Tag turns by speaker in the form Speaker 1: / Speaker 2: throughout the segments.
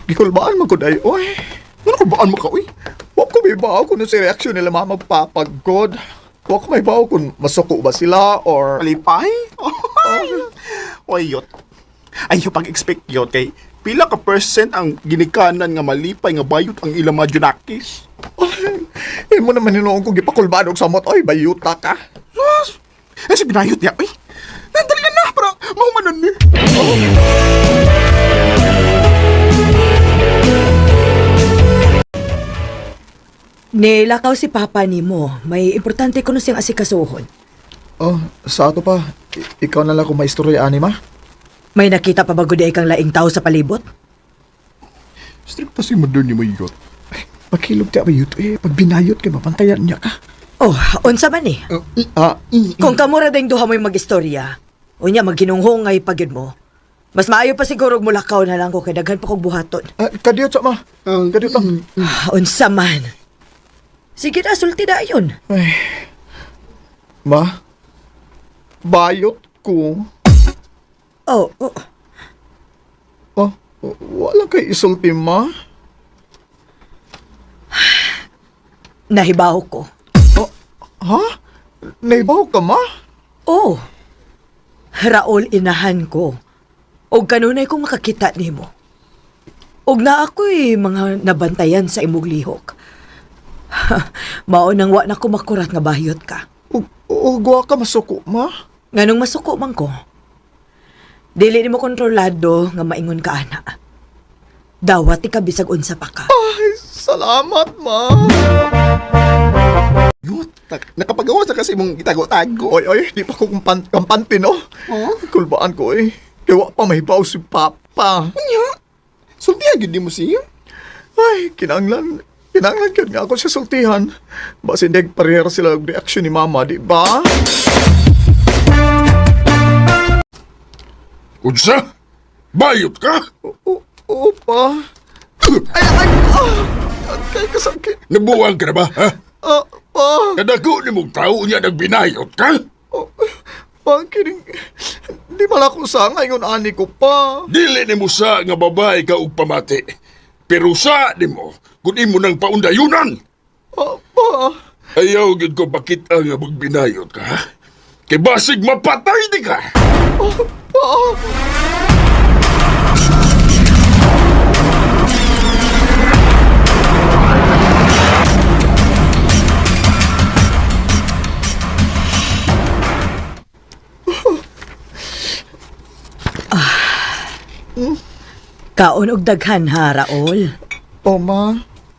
Speaker 1: Gikulbaan mo ko day, oy. Ano kulbaan mo ka, oy? Huwag ko may bawa kung si reaksyon nila mga magpapagod. Huwag ko may bawa kung masuko ba sila or...
Speaker 2: Malipay? Oy, yot. Ay, yung pag-expect yot kay pila ka percent ang ginikanan nga malipay nga bayot ang ilang mga junakis.
Speaker 1: Eh mo naman hinuong kong gipakulbaan og samot, oy, bayuta ka.
Speaker 2: Sus! Eh, si binayot niya, oy. Nandali na para mahumanan ni.
Speaker 3: Nilakaw si Papa nimo. May importante ko na siyang asikasuhon.
Speaker 1: Oh, sa ato pa, ikaw na lang kung maistorya, Anima.
Speaker 3: May nakita pa ba gud kang laing tao sa palibot?
Speaker 2: Stricta si mother ni mo yot.
Speaker 1: Pagkilog ti abayot, pag binayot kay mapantayan niya ka.
Speaker 3: Oh, unsa man eh. Kung kamura ding duha mo'y mag-istorya, unya magginunghongay pagid mo. Mas maayo pa siguro mulakaw na lang ko kay daghan pa kog buhaton.
Speaker 1: Kadiyot sa ma. Kadiyot lang.
Speaker 3: Unsa man. Sige na, sulti na yun.
Speaker 1: Ay. Ma, bayot ko.
Speaker 3: Oh.
Speaker 1: Oh, wala kay isulti, ma.
Speaker 3: Nahibaw ko.
Speaker 1: Ha? Naibaw ka, ma?
Speaker 3: Oh. Raol, inahan ko. Og kanunay kong makakita nimo. Og na ako'y mga nabantayan sa imong lihok. Mao nang wa na ko makurat nga bayot ka.
Speaker 1: Ugwa ka masuko, ma?
Speaker 3: Nganong masuko man ko. Dili nimo kontrolado nga maingon ka ana. Dawat ka bisag unsa pa ka.
Speaker 1: Ay, salamat, ma.
Speaker 2: Yot, nakapagawa sa kasi mong itago-tago.
Speaker 1: Oy, di pa ko kampante, no?
Speaker 2: Oh?
Speaker 1: Kulbaan ko, Kaya wa pa mahibaw si Papa.
Speaker 2: Anya? Sultihan yun di mo siya?
Speaker 1: Ay, kinanglan ka nga ako sa sultihan. Basin deg parehera sila ang reaksyon ni Mama, di ba?
Speaker 4: Unsa? Bayot ka?
Speaker 1: Opa. Kay kasakit.
Speaker 4: Nabuwang ka na ba, ha?
Speaker 1: Pa.
Speaker 4: Kadako ni mong tao niya nagbinayot ka?
Speaker 1: Kining, di mala ko sa ngayon ani ko pa.
Speaker 4: Dili ni mo sa nga babae ka og pamati. Pero sa di mo, kung imo nang paundayunan.
Speaker 1: Pa.
Speaker 4: Ayaw gid ko pakita nga magbinayot ka, ha? Kay basig mapatay di ka.
Speaker 1: Pa.
Speaker 3: Kaon og daghan ha, Raol.
Speaker 1: O, ma.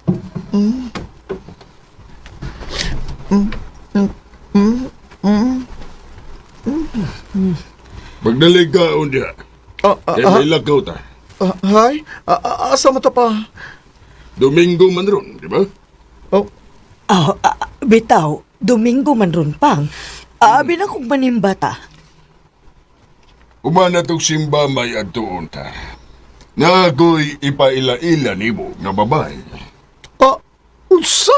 Speaker 4: Magdalig ka unya. Kay may lakaw ta.
Speaker 1: Hay? Asa mo ta pa?
Speaker 4: Domingo man ron, di ba?
Speaker 1: Oh,
Speaker 3: Bitaw, Domingo man ron pang. Abi na kong manimbata.
Speaker 4: Umana tong simba may adtuon ta. Nga ako'y ipaila-ila ni mo nga babae.
Speaker 1: unsa?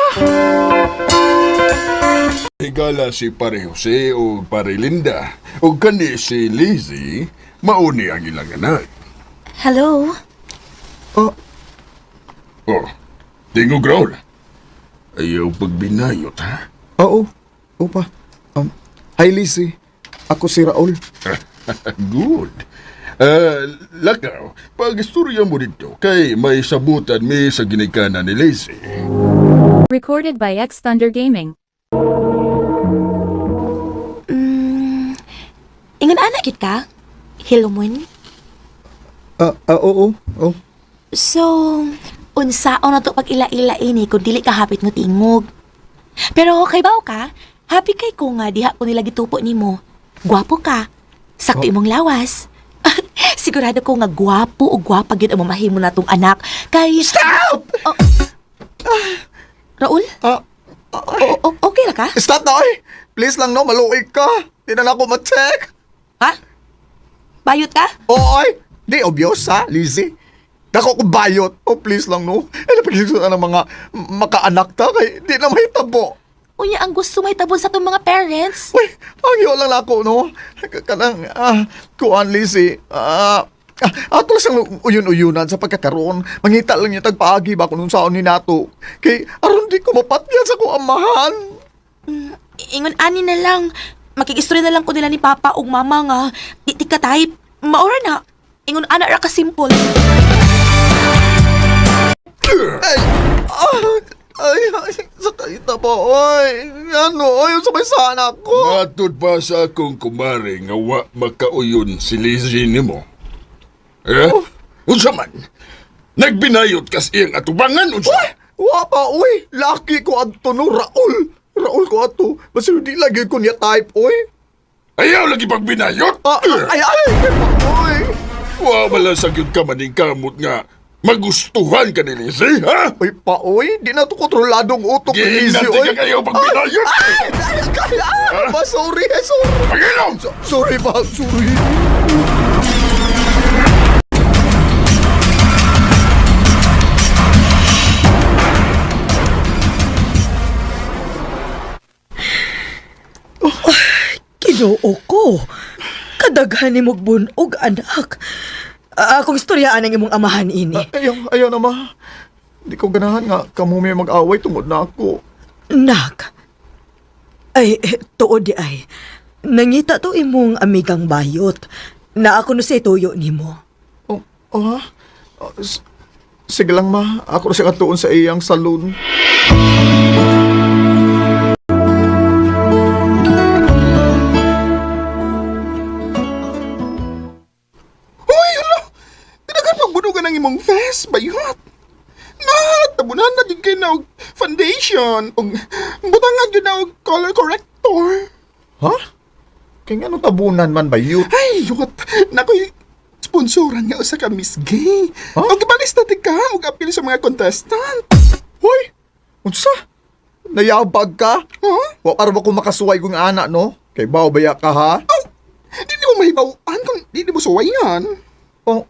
Speaker 4: Higala si Pare Jose o Pare Linda o kani si Lizzie, mauni ang ilang anak.
Speaker 5: Hello?
Speaker 4: Oh, tingog Raul. Ayaw pagbinayot, ha?
Speaker 1: Oo. Opa. Hi, Lizzie. Ako si Raul.
Speaker 4: Good. Lakaw, pag-istorya mo dito, kay may sabutan mi sa ginikanan ni Lizzie.
Speaker 6: Recorded by X Thunder Gaming.
Speaker 5: Ingon anak gid ka? Hilomon?
Speaker 1: Oo. Oh.
Speaker 5: So, unsaon na to pag ila-ila ini kung dili ka hapit mo tingog. Pero kay baw ka, happy kay ko nga diha ko nila gitupo nimo. Gwapo ka. Sakto imong lawas. Sigurado ko nga gwapo o gwapa gyud ang mamahimo natong anak. Kay
Speaker 1: Stop!
Speaker 5: Raul? Okay ra ka?
Speaker 1: Stop na, oy! Please lang, no. Maluig ka. Di na ako ma-check.
Speaker 5: Ha? Bayot ka?
Speaker 1: Oy! Di obvious, ha, Lizzie? Dako ko bayot. Oh, please lang, no. Napagkikita ng mga makaanak ta kay di na mahitabo.
Speaker 5: Unya ang gusto may tabon sa tong mga parents.
Speaker 1: Uy, agyo lang ako, no. Kanang, kuan, Lizzie. Ato lang uyon-uyunan sa pagkakaroon. Mangita lang niya tagpaagi ba kung saan ni nato. Kay aron di ko mapatyan sa ko amahan.
Speaker 5: Ingon ani na lang. Makikistorya na lang ko nila ni Papa ug Mama nga. Di ka type. Maura na. Ingon ana ra ka simple.
Speaker 1: Ay, sakay na ba, oy. Ano, oy, sabay sana ko.
Speaker 4: Matod pa sa akong kumare nga wa makauyon si Lizzie nimo. Unsa man? Nagbinayot kas iyang atubangan unsa?
Speaker 1: Wa pa, oy. Laki ko adto no, Raul. Raul ko ato. Basta di lagi ko niya type, oy.
Speaker 4: Ayaw lagi pagbinayot?
Speaker 1: Ay, oy.
Speaker 4: Wa wala sa gyud ka maning kamot nga magustuhan ka ni Lizzie, ha?
Speaker 1: Oy pa, oy. Di na to kontroladong utok ni Lizzie,
Speaker 4: Giinanti
Speaker 1: oy.
Speaker 4: ka kayo pagbinayot!
Speaker 1: Ba, sorry, sorry.
Speaker 4: Pagilom!
Speaker 1: Sorry ba, sorry.
Speaker 3: Ginoo ko. Kadaghan ni mong bunog, anak. Akong istoryaan ang imong amahan ini.
Speaker 1: Ayaw na, ma. Di ko ganahan nga kamo may mag-away tungod na ako.
Speaker 3: Nak. Ay, tuod di ay. Nangita to imong amigang bayot na ako no sa tuyo nimo.
Speaker 1: Ha? Sige lang, ma. Ako na siya katuon sa iyang saloon.
Speaker 2: Hoy, hala! Tinagan pagbunugan ng imong vest, bayot. Tabunan na din kayo na og foundation. Og butangan yun na og color corrector.
Speaker 1: Ha? Kaya nga nung tabunan man ba yun?
Speaker 2: Ay, yot. Nakoy sponsoran nga usa ka Miss Gay.
Speaker 1: Huh?
Speaker 2: Og ibalis na ka og apil sa mga contestant.
Speaker 1: Hoy! Unsa? Nayabag ka?
Speaker 2: Huh?
Speaker 1: Wa para ba kung makasuway kong anak, no? Kay baya ka, ha?
Speaker 2: Oh, di mo mahibawaan kung di mo suwayan.
Speaker 1: Oh.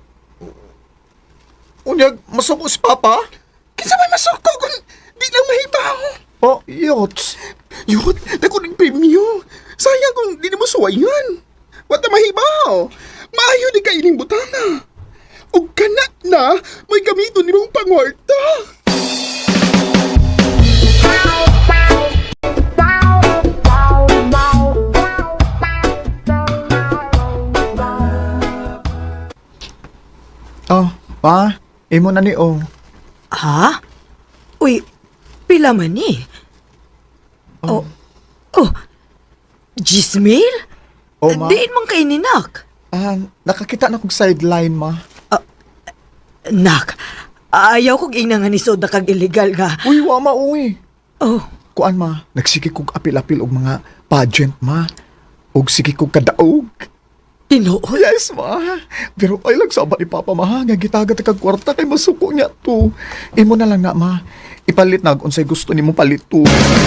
Speaker 1: Unyag, masuko si Papa?
Speaker 2: Kisa may masuko kung di lang mahibaw.
Speaker 1: Oh, yots.
Speaker 2: Yot, dako ng premyo. Sayang kung di mo suwayan. Wata mahibaw. Maayo di ka ining butana. O kana na, may gamiton ni mong pangwarta.
Speaker 1: Oh, pa, imo na ni oh.
Speaker 3: Ha? Uy, pila man ni? Oh. Gismil?
Speaker 1: Oh, ma.
Speaker 3: Diin man kay ni Nak.
Speaker 1: Nakakita na kong sideline, ma.
Speaker 3: Nak, ayaw kong inangan isod na kag illegal nga.
Speaker 1: Uy, wa ma, uy.
Speaker 3: Oh,
Speaker 1: Kuan, ma, nagsiki kong apil-apil og mga pageant, ma. Og sige kong kadaog.
Speaker 3: tinuod.
Speaker 1: Yes, ma. Pero ay lang sabat ni Papa, ma. Nga gitagat kag kwarta kay masuko niya to. Imo na lang na, ma. Ipalit na unsay gusto nimo palit to.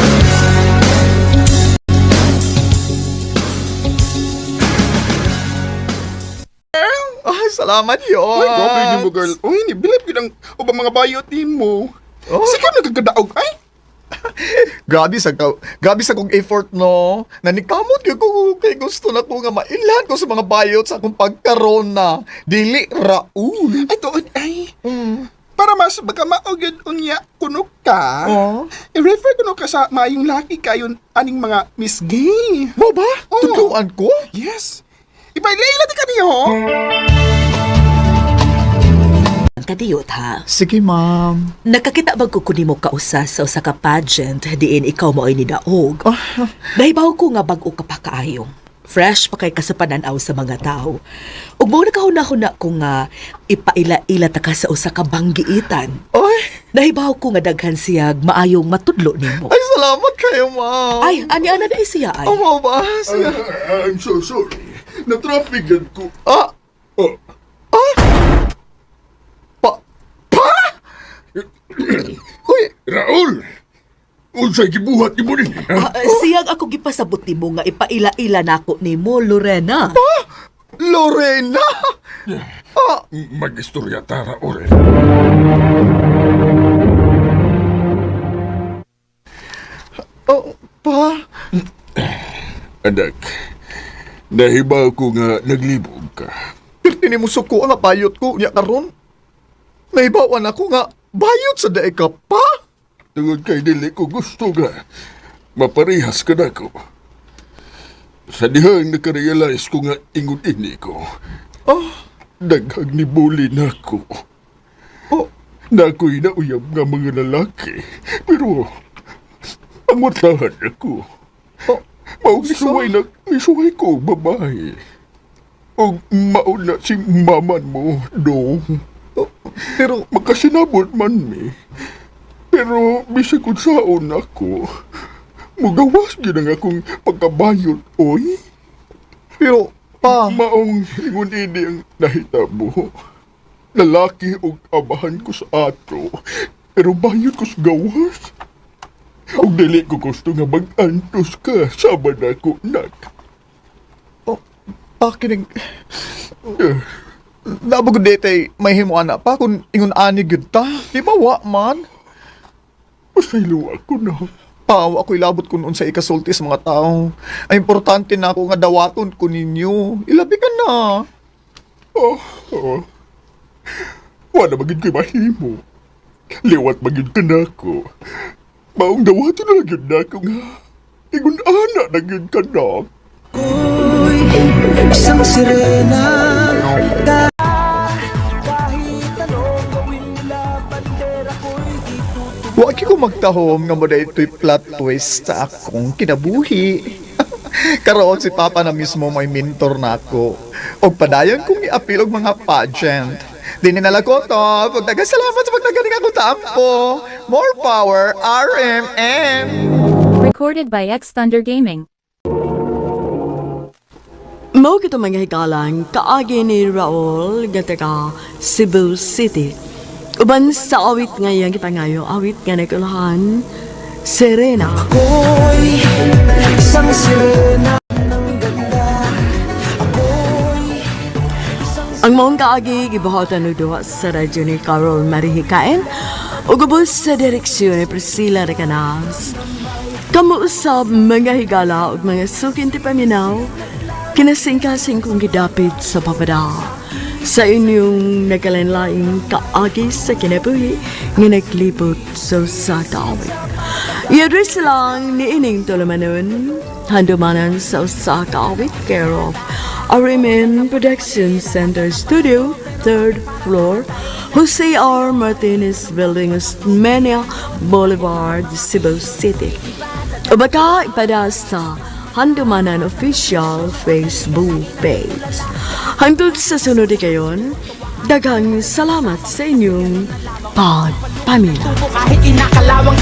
Speaker 1: Ay, salamat yun.
Speaker 2: Uy, grabe ni mo, girl. Uy, nibilip yun ang ubang mga bayot ni mo.
Speaker 1: Oh.
Speaker 2: Sige, nagkagadaog. Ay,
Speaker 1: Grabe sa kong effort, no. Nanikamot ko kay gusto na ko nga mailan ko sa mga bayot sa akong pagkaroon na. Dili Raul.
Speaker 2: ay, tuod, ay.
Speaker 1: Mm.
Speaker 2: Para mas magkamaogid unya kuno ka,
Speaker 1: Oh.
Speaker 2: i-refer kuno ka sa mayong laki kayon aning mga Miss Gay.
Speaker 1: Mo ba?
Speaker 2: Oh.
Speaker 1: Tutuan ko?
Speaker 2: Yes. Ipailay ti kaniyo.
Speaker 3: Kadiyot ha.
Speaker 1: Sige, ma'am.
Speaker 3: Nakakita bang kukuni mo kausa sa usa ka pageant diin ikaw mo ay nidaog.
Speaker 1: Ah,
Speaker 3: Nahibaw ko nga bag-o ka pa kaayong. Fresh pa kay kasapananaw sa mga tao. Ug mo nakahuna-huna ko nga ipaila-ila ta ka sa usa ka banggiitan.
Speaker 1: ay,
Speaker 3: Nahibaw ko nga daghan siyag maayong matudlo nimo.
Speaker 1: ay, salamat kayo, ma'am.
Speaker 3: Ay, ani-ana na siya ay.
Speaker 1: Oh, mo ba? Sige.
Speaker 4: I'm so sorry. Na-traffican ko.
Speaker 1: Ah,
Speaker 4: Oh,
Speaker 1: uy,
Speaker 4: Raul! Unsay gibuhat ni mo ni?
Speaker 3: Siyag ako gipasabot nimo nga ipaila-ila nako nimo, Lorena.
Speaker 1: Lorena! Ah,
Speaker 4: Mag-istorya ta, Raul.
Speaker 1: oh, pa.
Speaker 4: Anak, nahibaw ko nga naglibog ka.
Speaker 1: Tinimusok ko nga bayot ko niya karon. Nahibawan ako nga bayot sa daig ka pa.
Speaker 4: Tungod kay dili ko gusto nga maparihas ka na ko. Sa dihang nakarealize ko nga ingon ini ko, daghang nibuli na ko.
Speaker 1: Oh,
Speaker 4: Na ako'y nauyab nga mga lalaki. Pero, amutahan ako.
Speaker 1: oh,
Speaker 4: Misuway ko, babae. O mauna si maman mo, dong.
Speaker 1: oh, pero,
Speaker 4: Makasinabot man mi. Pero, bisag kung saon ako, mugawas yun ang akong pagkabayot, oy.
Speaker 1: pero, pa,
Speaker 4: Maong ingon ini ang nahitabo. Lalaki og abahan ko sa ato, pero bayot ko sa gawas. Og dili ko gusto nga mag-antos ka, sabad ako, nak.
Speaker 1: kining, nabagod dete, may himuana pa kung ingon ani gyud ta. Di ba wa man?
Speaker 4: Pasaylo ako na.
Speaker 1: Paw, ako'y labot kung unsa ikasulti sa mga tao. Ay importante na ako nga dawaton ko ninyo. Ilabi ka na.
Speaker 4: Wala magid ko'y mahimo. Liwat magid ka na ako. Maong dawato na lang yun na ako nga. Ingon ana na yun ka na.
Speaker 1: Wagi ko magtahom nga mo da ito'y plot twist sa akong kinabuhi. Karoon si Papa na mismo may mentor na ako. Og padayon kong iapil og mga pageant. Di ninala ko to. Pag nagasalamat sa pagnagaling ako tampo. More power, RMN!
Speaker 6: Recorded by X Thunder Gaming.
Speaker 7: Mao kito mga hikalang kaagi ni Raul gataka Cebu City. Uban sa awit ngayon kita ngayon, awit nga nakulahan, Serena. Ang maong kaagi gibuhatan og duha sa radyo ni Carol Marihikain ug ubos sa direksyon ni Priscilla Recanas. Kamu usab mga higala ug mga sukin ti paminaw, kinasingkasing kong gidapit sa papada sa inyong nagkalanlaing kaagi sa kinabuhi nga naglibot sa kaawit. I-address lang ni Ining Tolomanon, handumanan sa usa kaawit, care of Arimen Production Center Studio, 3rd floor, Jose R. Martinez Building, Osmeña Boulevard, Cebu City. O baka ipada sa Handumanan Official Facebook page. Hangtod sa sunod kayon, daghang salamat sa inyong pagpamilya.
Speaker 8: Kahit inakalawang